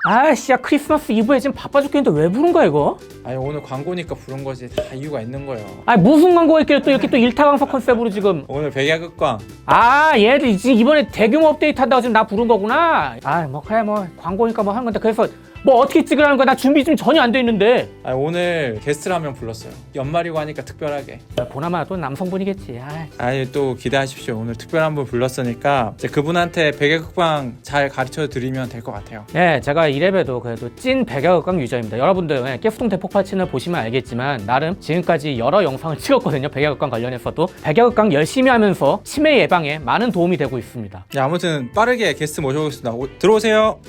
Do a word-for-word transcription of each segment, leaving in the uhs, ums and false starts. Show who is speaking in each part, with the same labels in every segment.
Speaker 1: 아씨, 야 크리스마스 이브에 지금 바빠 죽겠는데 왜 부른 거야 이거?
Speaker 2: 아니 오늘 광고니까 부른 거지. 다 이유가 있는 거예요.
Speaker 1: 아니 무슨 광고가 있길래 또 이렇게 또 일타강사 컨셉으로 지금.
Speaker 2: 오늘 백야극광.
Speaker 1: 아 얘들 지금 이번에 대규모 업데이트 한다고 지금 나 부른 거구나. 아 뭐 그래 뭐 광고니까 뭐 하는 건데 그래서 뭐 어떻게 찍으라는 거야? 나 준비 좀 전혀 안 돼 있는데.
Speaker 2: 아니 오늘 게스트를 한 명 불렀어요. 연말이고 하니까 특별하게.
Speaker 1: 보나마나 또 남성분이겠지. 아.
Speaker 2: 아니 또 기대하십시오. 오늘 특별한 분 불렀으니까 이제 그분한테 백야극광 잘 가르쳐 드리면 될 것 같아요.
Speaker 1: 네, 제가 이래봬도 그래도 찐 백야극광 유저입니다. 여러분들 네, 깨프통 대폭발 채널 보시면 알겠지만 나름 지금까지 여러 영상을 찍었거든요. 백야극광 관련해서도 백야극광 열심히 하면서 치매 예방에 많은 도움이 되고 있습니다.
Speaker 2: 네, 아무튼 빠르게 게스트 모셔보겠습니다. 오, 들어오세요.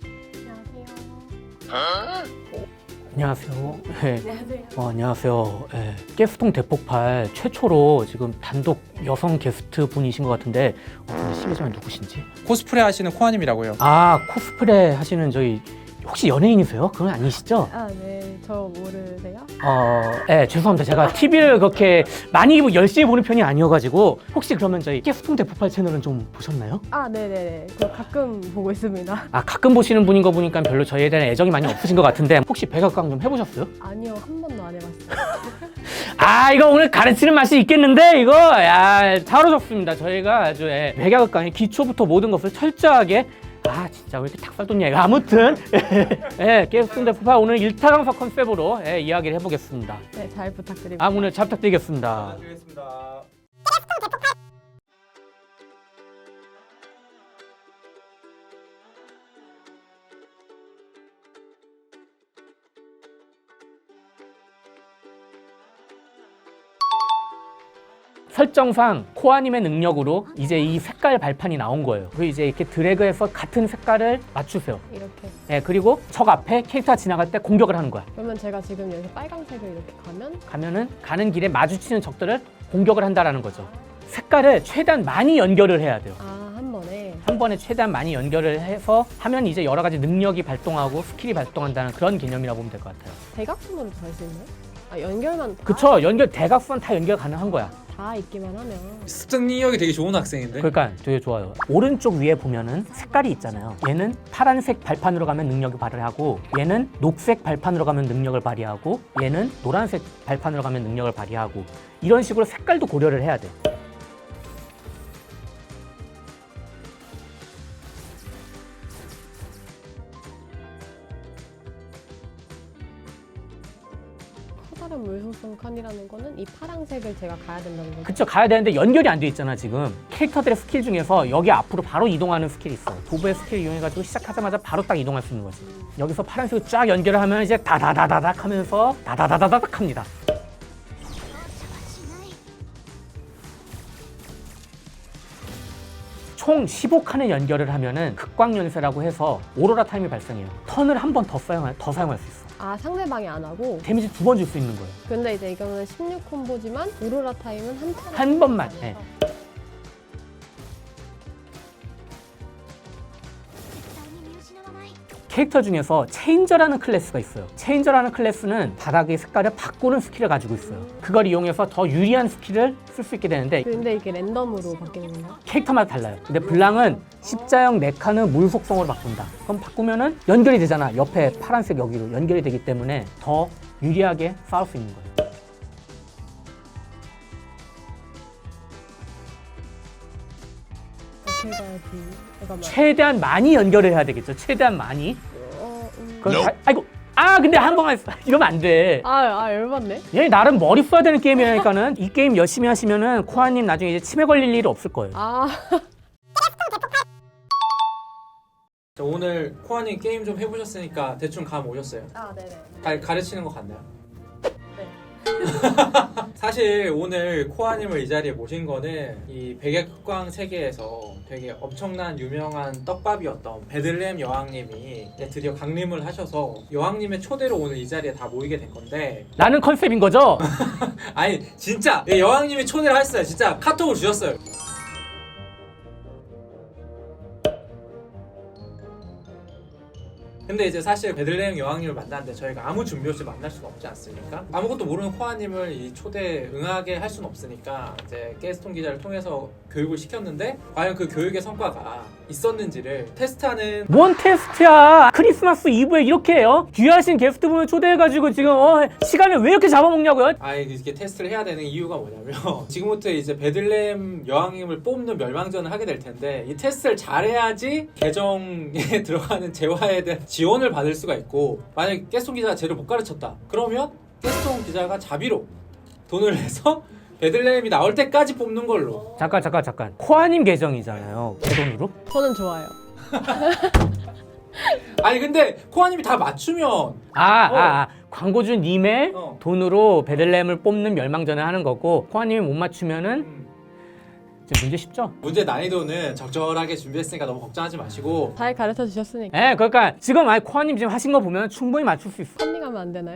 Speaker 1: 안녕하세요. 네.
Speaker 3: 안녕하세요.
Speaker 1: 어, 안녕하세요. 네. 깨프통 대폭발 최초로 지금 단독 여성 게스트 분이신 것 같은데 어, 근데 실례지만 누구신지?
Speaker 2: 코스프레 하시는 코아님이라고요.
Speaker 1: 아 코스프레 하시는 저희 혹시 연예인이세요? 그건 아니시죠?
Speaker 3: 아, 네. 저 모르세요?
Speaker 1: 어, 네, 죄송합니다. 제가 티비를 그렇게 많이 열심히 보는 편이 아니어가지고 혹시 그러면 저희 깨프통 대폭발 채널은 좀 보셨나요?
Speaker 3: 아, 네네네. 저 가끔 보고 있습니다.
Speaker 1: 아 가끔 보시는 분인 거 보니까 별로 저희에 대한 애정이 많이 없으신 것 같은데 혹시 백악관 좀 해보셨어요?
Speaker 3: 아니요, 한 번도 안 해봤어요.
Speaker 1: 아 이거 오늘 가르치는 맛이 있겠는데 이거 야 바로 좋습니다. 저희가 아주 예, 백악관의 기초부터 모든 것을 철저하게 아 진짜 왜 이렇게 닭살 돋냐 이거 아무튼 예, 깨프통 대폭발 오늘 일타강사 컨셉으로 예, 이야기를 해보겠습니다.
Speaker 3: 네, 잘 부탁드립니다.
Speaker 1: 아 오늘 잘 부탁드리겠습니다.
Speaker 2: 드리겠습니다.
Speaker 1: 설정상 코아님의 능력으로 이제 이 색깔 발판이 나온 거예요. 그리고 이제 이렇게 드래그해서 같은 색깔을 맞추세요.
Speaker 3: 이렇게.
Speaker 1: 예, 그리고 적 앞에 캐릭터가 지나갈 때 공격을 하는 거야.
Speaker 3: 그러면 제가 지금 여기서 빨간색을 이렇게 가면
Speaker 1: 가면은 가는 길에 마주치는 적들을 공격을 한다라는 거죠. 색깔을 최대한 많이 연결을 해야 돼요.
Speaker 3: 아, 한 번에.
Speaker 1: 한 번에 최대한 많이 연결을 해서 하면 이제 여러 가지 능력이 발동하고 스킬이 발동한다는 그런 개념이라고 보면 될 것 같아요.
Speaker 3: 대각선으로 다 할 수 있나요? 아, 연결만 다,
Speaker 1: 그쵸? 연결 대각선 다 연결 가능한 거야.
Speaker 3: 다 있기만 하면.
Speaker 2: 습득 능력이 되게 좋은 학생인데.
Speaker 1: 그러니까 되게 좋아요. 오른쪽 위에 보면은 색깔이 있잖아요. 얘는 파란색 발판으로 가면 능력을 발휘하고 얘는 녹색 발판으로 가면 능력을 발휘하고 얘는 노란색 발판으로 가면 능력을 발휘하고 이런 식으로 색깔도 고려를 해야 돼.
Speaker 3: 커다란 물속성 칸이라는 거는 이 파란색을 제가 가야 된다는 거죠.
Speaker 1: 그쵸, 가야 되는데 연결이 안 돼 있잖아 지금. 캐릭터들의 스킬 중에서 여기 앞으로 바로 이동하는 스킬이 있어. 도구의 스킬 이용해가지고 시작하자마자 바로 딱 이동할 수 있는 거지. 여기서 파란색을 쫙 연결을 하면 이제 다다다다닥 하면서 다다다다닥 합니다. 총 십오 칸의 연결을 하면은 극광연쇄라고 해서 오로라 타임이 발생해요. 턴을 한 번 더 사용할, 더 사용할 수 있어.
Speaker 3: 아, 상대방이 안 하고.
Speaker 1: 데미지 두 번 줄 수 있는 거예요.
Speaker 3: 근데 이제 이거는 십육 콤보지만 오로라 타임은 한 턴.
Speaker 1: 한 번만. 예. 캐릭터 중에서 체인저라는 클래스가 있어요. 체인저라는 클래스는 바닥의 색깔을 바꾸는 스킬을 가지고 있어요. 그걸 이용해서 더 유리한 스킬을 쓸 수 있게 되는데
Speaker 3: 근데 이게 랜덤으로 바뀌는 건가요?
Speaker 1: 캐릭터마다 달라요. 근데 블랑은 십자형 네 칸은 물 속성으로 바꾼다. 그럼 바꾸면은 연결이 되잖아. 옆에 파란색 여기로 연결이 되기 때문에 더 유리하게 싸울 수 있는 거예요.
Speaker 3: 어떻게 가야지? 잠깐만.
Speaker 1: 최대한 많이 연결을 해야 되겠죠. 최대한 많이.
Speaker 3: 어, 음.
Speaker 1: 그건 다- 아이고. 아 근데 한 번만 했어. 이러면 안 돼.
Speaker 3: 아, 아, 열받네.
Speaker 1: 얘 나름 머리 써야 되는 게임이라니까는 이 게임 열심히 하시면은 코아님 나중에 이제 치매 걸릴 일이 없을 거예요.
Speaker 3: 아,
Speaker 2: 자, 오늘 코아님 게임 좀 해보셨으니까 대충 감 오셨어요?
Speaker 3: 아, 네네.
Speaker 2: 잘 가르치는 거 같나요?
Speaker 3: 네.
Speaker 2: 사실 오늘 코아님을 이 자리에 모신 거는 이 백야극광 세계에서 되게 엄청난 유명한 떡밥이었던 베들레헴 여왕님이 이제 드디어 강림을 하셔서 여왕님의 초대로 오늘 이 자리에 다 모이게 된 건데
Speaker 1: 라는 컨셉인 거죠?
Speaker 2: 아니 진짜 여왕님이 초대를 하셨어요. 진짜 카톡을 주셨어요. 근데 이제 사실 베들레헴 여왕님을 만났는데 저희가 아무 준비 없이 만날 수는 없지 않습니까? 아무것도 모르는 코아님을 이 초대 응하게 할 수는 없으니까 이제 게스톤 기자를 통해서 교육을 시켰는데 과연 그 교육의 성과가 있었는지를 테스트하는.
Speaker 1: 뭔 테스트야? 크리스마스 이브에 이렇게 해요? 귀하신 게스트분을 초대해가지고 지금 어, 시간을 왜 이렇게 잡아먹냐고요?
Speaker 2: 아 이게 테스트를 해야 되는 이유가 뭐냐면 지금부터 이제 베들레헴 여왕님을 뽑는 멸망전을 하게 될 텐데 이 테스트를 잘해야지 계정에 들어가는 재화에 대한 지원을 받을 수가 있고, 만약에 게스톤 기자가 쟤를 못 가르쳤다 그러면 게스톤 기자가 자비로 돈을 내서 베들레헴이 나올 때까지 뽑는 걸로.
Speaker 1: 잠깐 잠깐 잠깐 코아님 계정이잖아요. 제 돈으로?
Speaker 3: 저는 좋아요.
Speaker 2: 아니 근데 코아님이 다 맞추면
Speaker 1: 아, 아, 아. 광고주님의
Speaker 2: 어.
Speaker 1: 돈으로 베들레헴을 뽑는 멸망전을 하는 거고 코아님이 못 맞추면은
Speaker 2: 음,
Speaker 1: 이제 문제 쉽죠?
Speaker 2: 문제 난이도는 적절하게 준비했으니까 너무 걱정하지 마시고.
Speaker 3: 잘 가르쳐 주셨으니까
Speaker 1: 예, 그러니까 지금 아니 코아님 지금 하신 거 보면 충분히 맞출 수 있어.
Speaker 3: 컨닝하면 안 되나요?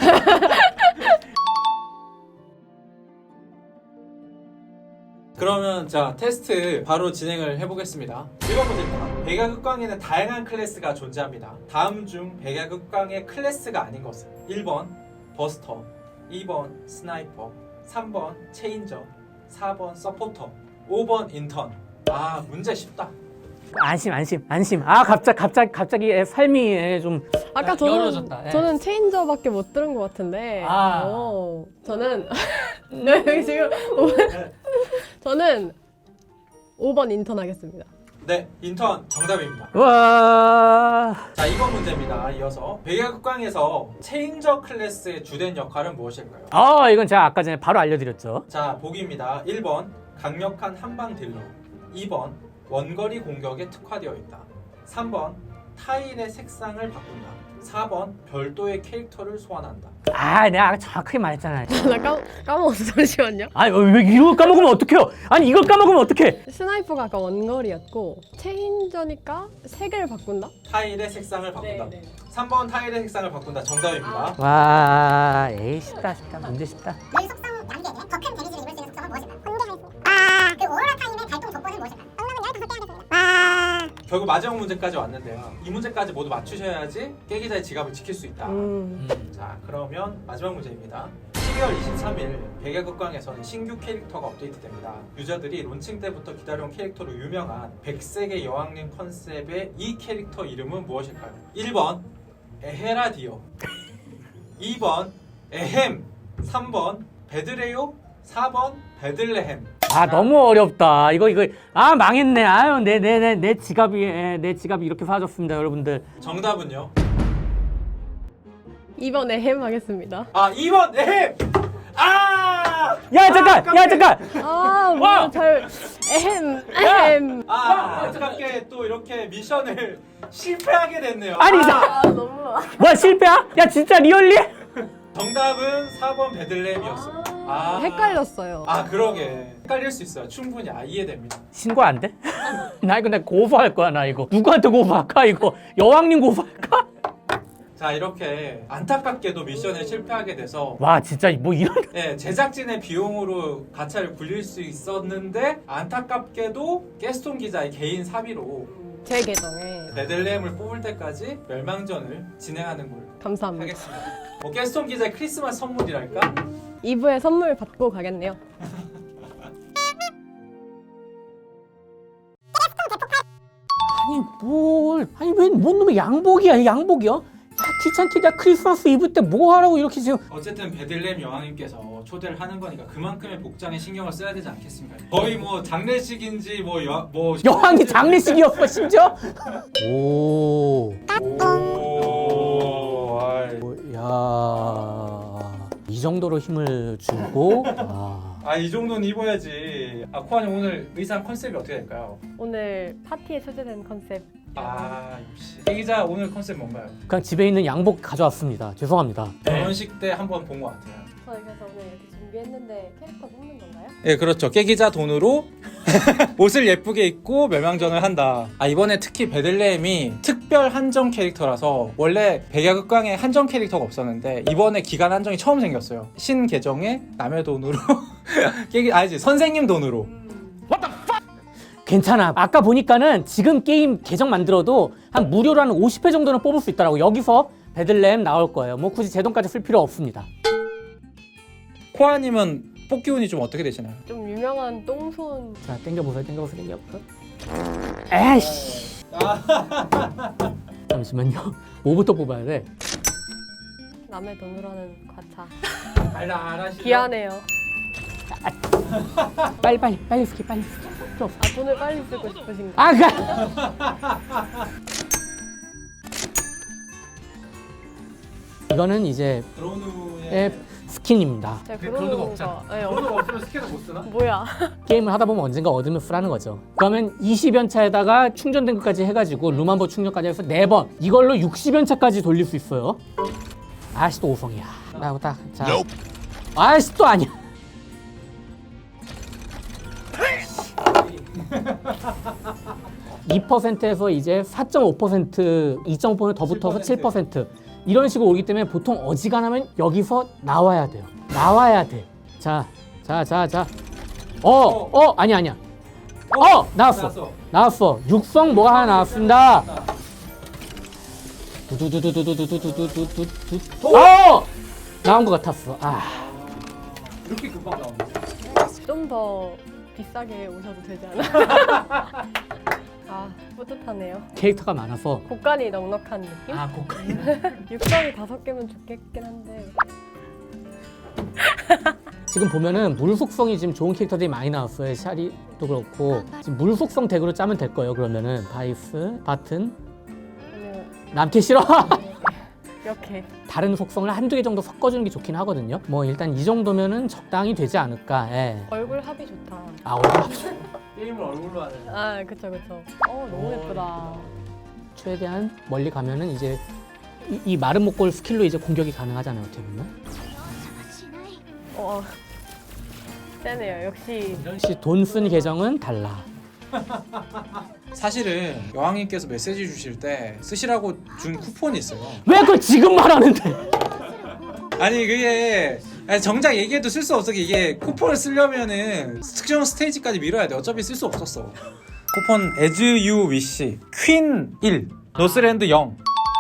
Speaker 2: 그러면 자 테스트 바로 진행을 해보겠습니다. 일 번 문제입니다. 백야극광에는 다양한 클래스가 존재합니다. 다음 중 백야극광의 클래스가 아닌 것은 일 번 버스터, 이 번 스나이퍼, 삼 번 체인저, 사 번 서포터, 오 번 인턴. 아 문제 쉽다.
Speaker 1: 안심, 안심, 안심. 아, 갑자기, 갑자기, 갑자기 애 삶이 애 좀.
Speaker 3: 아까
Speaker 1: 야,
Speaker 3: 저는
Speaker 1: 열어줬다. 예.
Speaker 3: 저는 체인저밖에 못 들은 것 같은데.
Speaker 1: 아.
Speaker 3: 어, 저는 여기 지금 오 번 저는 오 번 인턴 하겠습니다.
Speaker 2: 네 인턴 정답입니다.
Speaker 1: 와.
Speaker 2: 자 이 번 문제입니다. 이어서 백야극광에서 체인저 클래스의 주된 역할은 무엇일까요?
Speaker 1: 아, 이건 제가 아까 전에 바로 알려드렸죠.
Speaker 2: 자 보기입니다. 일 번 강력한 한방 딜러, 이 번 원거리 공격에 특화되어 있다, 삼 번 타일의 색상을 바꾼다, 사 번 별도의 캐릭터를 소환한다.
Speaker 1: 아, 내가 아까 정확하게 말했잖아요.
Speaker 3: 나 까, 까먹었어. 잠시만요.
Speaker 1: 아니, 왜 이걸 까먹으면 어떡해요? 아니, 이걸 까먹으면 어떡해?
Speaker 3: 스나이퍼가 아까 원거리였고 체인저니까 색을 바꾼다?
Speaker 2: 타일의 색상을 바꾼다.
Speaker 3: 네, 네.
Speaker 2: 삼 번 타일의 색상을 바꾼다. 정답입니다.
Speaker 1: 와, 에이, 쉽다, 쉽다. 문제 쉽다.
Speaker 4: 뇌 속성 양계에 더 큰 데미지를 입을 수 있는 속성은 무엇일까요? 공개가 있습니다. 아, 그 오로라 타임의 발동 조건은 무엇일까요? 정답은 열다섯 개 하겠습니다. 아,
Speaker 2: 결국 마지막 문제까지 왔는데요. 이 문제까지 모두 맞추셔야지 깨기자의 지갑을 지킬 수 있다.
Speaker 3: 음.
Speaker 2: 자 그러면 마지막 문제입니다. 십이월 이십삼일 백야극광에서는 신규 캐릭터가 업데이트됩니다. 유저들이 론칭 때부터 기다려온 캐릭터로 유명한 백색의 여왕님 컨셉의 이 캐릭터 이름은 무엇일까요? 일 번 에헤라디오, 이 번 에헴, 삼 번 베드레요, 사 번 베들레헴.
Speaker 1: 아, 너무 어렵다. 이거, 이거. 아, 망했네. 아유, 내, 내, 내, 내 지갑이, 예, 내 지갑이 이렇게 사라졌습니다, 여러분들.
Speaker 2: 정답은요?
Speaker 3: 이 번에 햄 하겠습니다.
Speaker 2: 아 이 번 에헴! 아!
Speaker 1: 야, 잠깐! 야, 잠깐!
Speaker 3: 아,
Speaker 1: 와!
Speaker 3: 뭐야, 잘 에헴, 에헴.
Speaker 2: 아 안타깝게 또 이렇게 미션을 실패하게 됐네요.
Speaker 1: 아니,
Speaker 2: 아,
Speaker 3: 아, 너무.
Speaker 1: 뭐야, 실패야? 야, 진짜 리얼리?
Speaker 2: 정답은 사 번 베들레헴이었습니다. 아,
Speaker 3: 헷갈렸어요.
Speaker 2: 아 그러게 헷갈릴 수 있어요. 충분히 아, 이해됩니다.
Speaker 1: 신고 안 돼? 나 이거 내가 고소할 거야, 나 이거. 누구한테 고소할까, 이거? 여왕님 고소할까?
Speaker 2: 자 이렇게 안타깝게도 미션에 실패하게 돼서
Speaker 1: 와, 진짜 뭐 이런.
Speaker 2: 네, 제작진의 비용으로 가차를 굴릴 수 있었는데 안타깝게도 게스톤 기자의 개인 사비로
Speaker 3: 제 계정에
Speaker 2: 베들레헴을 뽑을 때까지 멸망전을 진행하는 걸로
Speaker 3: 감사합니다.
Speaker 2: 하겠습니다. 뭐 게스톤 기자의 크리스마스 선물이랄까?
Speaker 3: 이 부에 선물 받고 가겠네요.
Speaker 1: 아니, 뭘. 아니, 왜, 뭔 놈의 양복이야, 양복이야? 야, 귀찮게, 야, 크리스마스 이브 때 뭐 하라고 이렇게 지금.
Speaker 2: 어쨌든 베들레헴 여왕님께서 초대를 하는 거니까 그만큼의 복장에 신경을 써야 되지 않겠습니까? 거의 뭐 장례식인지 뭐 여, 뭐
Speaker 1: 여왕이 장례식이었어, 심지어? 오.
Speaker 2: 오, 아이.
Speaker 1: 야. 이 정도로 힘을 주고. 아.
Speaker 2: 아, 이 정도는 입어야지. 아, 코아님 오늘 의상 컨셉이 어떻게 될까요?
Speaker 3: 오늘 파티에 소재된 컨셉.
Speaker 2: 아, 역시. 이 기자 오늘 컨셉 뭔가요?
Speaker 1: 그냥 집에 있는 양복 가져왔습니다. 죄송합니다.
Speaker 2: 결혼식 때 한번 본 것 같아요.
Speaker 3: 저 그래서 오늘 이렇게 준비했는데 캐릭터 뽑는 건가요?
Speaker 2: 예, 그렇죠. 깨기자 돈으로 옷을 예쁘게 입고 멸망전을 한다. 아, 이번에 특히 베들레헴이 특별 한정 캐릭터라서 원래 백야극광에 한정 캐릭터가 없었는데 이번에 기간 한정이 처음 생겼어요. 신 계정에 남의 돈으로 깨기 아니지 선생님 돈으로.
Speaker 1: 괜찮아. 아까 보니까는 지금 게임 계정 만들어도 한 무료로 한 오십 회 정도는 뽑을 수 있더라고. 여기서 베들렘 나올 거예요. 뭐 굳이 제 돈까지 쓸 필요 없습니다.
Speaker 2: 코아님은 뽑기 운이 좀 어떻게 되시나요?
Speaker 3: 좀 유명한 똥손.
Speaker 1: 자, 땡겨보세요. 땡겨보세요. 땡겨보세요. 에이씨. 잠시만요. 뭐부터 뽑아야 돼?
Speaker 3: 남의 돈으로 하는 과차.
Speaker 2: 알라 알아시죠?
Speaker 3: 귀하네요.
Speaker 1: 빨리 빨리 빨리 스킵 빨리 스킵. 필요 없어.
Speaker 3: 아, 돈을 빨리 쓰고 싶으신가?
Speaker 1: 아, 그. 이거는 이제
Speaker 2: 드론우의
Speaker 1: 앱 스킨입니다.
Speaker 3: 제가
Speaker 2: 그-
Speaker 3: 그런
Speaker 2: 그런 거
Speaker 3: 거.
Speaker 2: 없잖아.
Speaker 3: 네, 없-
Speaker 2: 드론우가 없으면 스캔을 못 쓰나?
Speaker 3: 뭐야?
Speaker 1: 게임을 하다 보면 언젠가 얻으면 쓰라는 거죠. 그러면 이십 연차에다가 충전된 것까지 해가지고 룸한번 충전까지 해서 네 번. 이걸로 육십 연차까지 돌릴 수 있어요. 아씨 또 오성이야. 나고 딱 자. 아씨 또 아니야. 이 퍼센트에서 이제 사 점 오 퍼센트, 이 점 오 퍼센트 더 붙어서 칠 퍼센트 이런 식으로 오기 때문에 보통 어지간하면 여기서 나와야 돼요. 나와야 돼. 자, 자, 자, 자. 어, 어, 아니 아니야. 어, 나왔어.
Speaker 2: 나왔어.
Speaker 1: 나왔어. 육성 뭐가 하나 나왔습니다. 두두두두두두두두두두두. 어, 나온 것 같았어. 아,
Speaker 2: 이렇게 금방 나오는데.
Speaker 3: 좀 더 비싸게 오셔도 되지 않아? 아, 뿌듯하네요.
Speaker 1: 캐릭터가 많아서.
Speaker 3: 곡간이 넉넉한 느낌?
Speaker 1: 아, 고가.
Speaker 3: 육성이 다섯 개면 좋겠긴 한데.
Speaker 1: 지금 보면은 물 속성이 지금 좋은 캐릭터들이 많이 나왔어요. 샤리도 그렇고 지금 물 속성 덱으로 짜면 될 거예요. 그러면은 바이스, 바튼,
Speaker 3: 아니면
Speaker 1: 남캐 싫어.
Speaker 3: 이렇게.
Speaker 1: 다른 속성을 한두 개 정도 섞어주는 게 좋긴 하거든요. 뭐 일단 이 정도면은 적당히 되지 않을까. 예.
Speaker 3: 얼굴 합이 좋다.
Speaker 1: 아, 얼굴
Speaker 2: 게임을 얼굴로 하는.
Speaker 3: 아, 그쵸, 그쵸. 어, 너무 예쁘다.
Speaker 1: 최대한 멀리 가면은 이제 이, 이 마른 목골 스킬로 이제 공격이 가능하잖아요. 어떻게 보면.
Speaker 3: 어, 세네요. 역시.
Speaker 1: 역시 돈 쓴 계정은 달라.
Speaker 2: 사실은 여왕님께서 메시지 주실 때 쓰시라고 준 쿠폰이 있어요.
Speaker 1: 왜 그걸 지금 말하는데?
Speaker 2: 아니 그게 아니, 정작 얘기해도 쓸 수 없어. 이게 쿠폰을 쓰려면은 특정 스테이지까지 미뤄야 돼. 어차피 쓸 수 없었어. 쿠폰 As You Wish 퀸 일 노스랜드 영.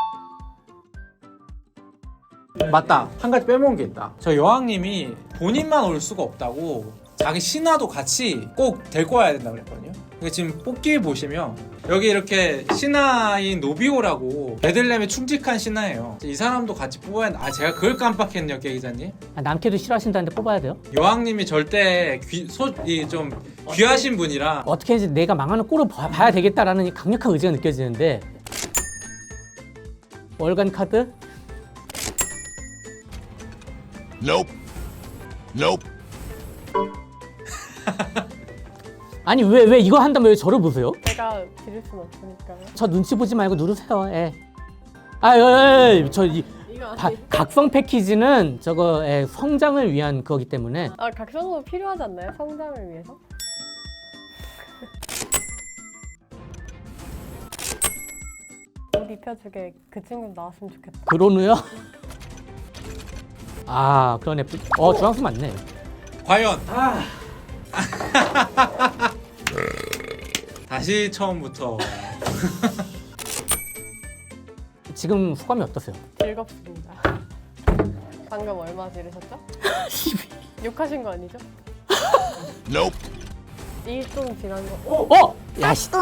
Speaker 2: 맞다, 한 가지 빼먹은 게 있다. 저 여왕님이 본인만 올 수가 없다고 자기 신하도 같이 꼭 데리고 와야 된다고 그랬거든요. 근데 지금 뽑기 보시면 여기 이렇게 신하인 노비오라고 베들렘에 충직한 신하예요. 이 사람도 같이 뽑아야 돼. 아 제가 그걸 깜빡했네요, 계 기자님.
Speaker 1: 아, 남캐도 싫어하신다는데 뽑아야 돼요?
Speaker 2: 여왕님이 절대 귀, 소, 이 좀 귀하신 분이라.
Speaker 1: 어떻게 해야지 내가 망하는 꼴을 봐, 봐야 되겠다라는 이 강력한 의지가 느껴지는데 월간 카드?
Speaker 5: Nope. Nope.
Speaker 1: 아니 왜 왜 이거 한다면 왜 저를 보세요?
Speaker 3: 제가 드릴 순 없으니까요.
Speaker 1: 저 눈치 보지 말고 누르세요. 예. 아, 예, 예, 저 이,
Speaker 3: 이거
Speaker 1: 바, 각성 패키지는 저거 예, 성장을 위한 거기 때문에
Speaker 3: 아, 각성도 필요하지 않나요? 성장을 위해서? 옷 입혀주게 그 친구 나왔으면 좋겠다.
Speaker 1: 그러누요? 아, 그런 애플. 어, 주황수 맞네.
Speaker 2: 과연 다시 처음부터.
Speaker 1: 지금 소감이 어떠세요?
Speaker 3: 즐겁습니다. 방금 얼마 지르셨죠? 욕하신 거 아니죠?
Speaker 5: Nope.
Speaker 3: 일 분 지난 거.
Speaker 1: 어! 야, 씨.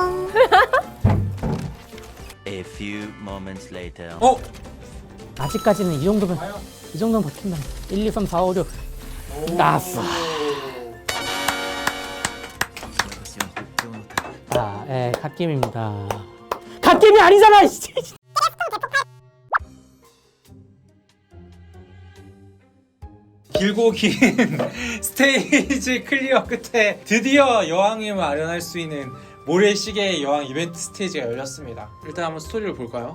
Speaker 6: A few moments later.
Speaker 2: 어?
Speaker 1: 아직까지는 이 정도면 이 정도면 버틴다. 일, 이, 삼, 사, 오, 육 나왔어. 자, 예, 갓게임입니다. 갓게임이 아니잖아, 씨.
Speaker 2: 길고 긴 스테이지 클리어 끝에 드디어 여왕님을 아련할 수 있는 모래시계의 여왕 이벤트 스테이지가 열렸습니다. 일단 한번 스토리를 볼까요?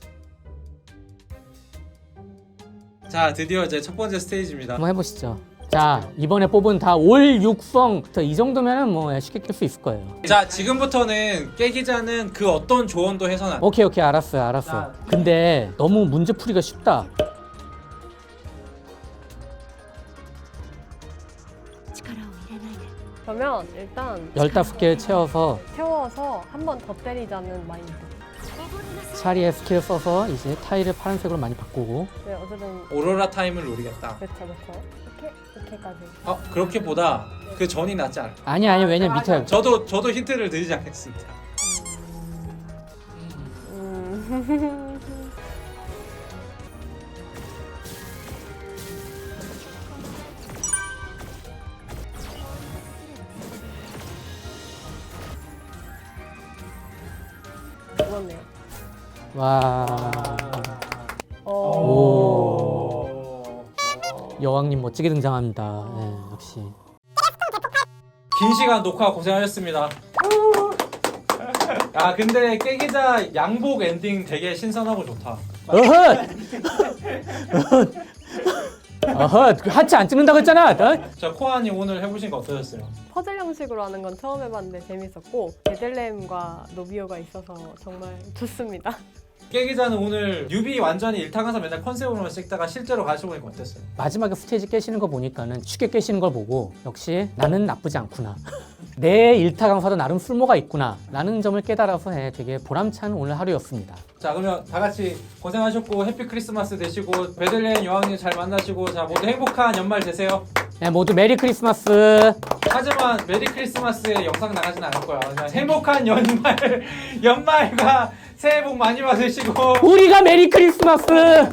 Speaker 2: 자, 드디어 제 첫 번째 스테이지입니다.
Speaker 1: 한번 해보시죠. 자, 이번에 뽑은 다 올 육성. 이 정도면은 뭐 쉽게 깰 수 있을 거예요.
Speaker 2: 자, 지금부터는 깨기자는 그 어떤 조언도 해서는 안 돼.
Speaker 1: 오케이, 오케이, 알았어요, 알았어요. 근데 너무 문제 풀이가 쉽다.
Speaker 3: 그러면 일단
Speaker 1: 열다섯 개 채워서
Speaker 3: 채워서 한 번 더 때리자는 마인드.
Speaker 1: 차리에 스킬 써서 이제 타일을 파란색으로 많이 바꾸고.
Speaker 3: 네, 어쨌든
Speaker 2: 오로라 타임을 노리겠다.
Speaker 3: 그렇죠, 그렇죠. 이렇게 이렇게까지.
Speaker 2: 어, 그렇게보다 그 전이 낫지 않을까?
Speaker 1: 아니, 아니, 왜냐면 밑에.
Speaker 2: 저도 저도 힌트를 드리지 않겠습니다.
Speaker 3: 음. 그렇네요.
Speaker 1: 와.
Speaker 3: 어.
Speaker 1: 오. 여왕님 멋지게 등장합니다. 네, 역시.
Speaker 2: 긴 시간 녹화 고생하셨습니다. 아, 근데 깨기자 양복 엔딩 되게 신선하고 좋다.
Speaker 1: 어헛! 어헛! 그 하체 안 찍는다고 했잖아! 어?
Speaker 2: 자, 코아님 오늘 해보신 거 어떠셨어요?
Speaker 3: 퍼즐 형식으로 하는 건 처음 해봤는데 재밌었고 베들렘과 노비오가 있어서 정말 좋습니다.
Speaker 2: 깨기자는 오늘 뉴비 완전히 일타강사 맨날 컨셉으로만 찍다가 실제로 가셔보니까 어땠어요?
Speaker 1: 마지막에 스테이지 깨시는 거 보니까는 쉽게 깨시는 걸 보고 역시 나는 나쁘지 않구나. 내 일타 강사도 나름 쓸모가 있구나 라는 점을 깨달아서 해, 되게 보람찬 오늘 하루였습니다.
Speaker 2: 자, 그러면 다 같이 고생하셨고 해피 크리스마스 되시고 베들레헴 여왕님 잘 만나시고 자 모두 행복한 연말 되세요.
Speaker 1: 네, 모두 메리 크리스마스.
Speaker 2: 하지만 메리 크리스마스에 영상 나가진 않을 거야. 그냥 행복한 연말 연말과 새해 복 많이 받으시고.
Speaker 1: 우리가 메리 크리스마스.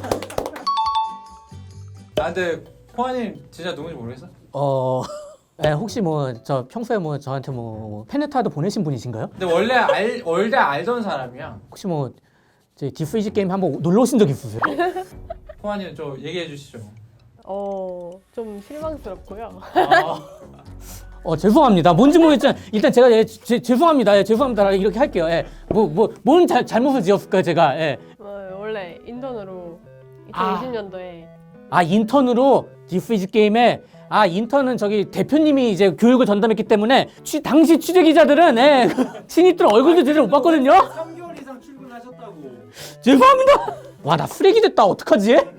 Speaker 2: 아, 근데 코아님 진짜 누군지 모르겠어?
Speaker 1: 어... 네, 혹시 뭐 저 평소에 뭐 저한테 뭐 팬레터라도 보내신 분이신가요?
Speaker 2: 근데 원래 알 원래 알던 사람이야.
Speaker 1: 혹시 뭐 저희 디스이지 게임 한번 놀러 오신 적 있으세요?
Speaker 2: 코아님 좀 얘기해 주시죠.
Speaker 3: 어, 좀 실망스럽고요.
Speaker 2: 아,
Speaker 1: 어 죄송합니다. 뭔지 모르겠지만 일단 제가 예, 제, 죄송합니다. 예, 죄송합니다. 이렇게 할게요. 예. 뭐뭐뭔 잘못을 지었을까요, 제가? 예.
Speaker 3: 어, 원래 인턴으로
Speaker 1: 아.
Speaker 3: 이천이십 년도에
Speaker 1: 아 인턴으로 디스이지 게임에 아 인턴은 저기 대표님이 이제 교육을 전담했기 때문에 취, 당시 취재 기자들은 예, 신입들 얼굴도 제대로 못 봤거든요.
Speaker 2: 삼 개월 이상 출근하셨다고.
Speaker 1: 죄송합니다. 와 나 쓰레기 됐다. 어떡하지?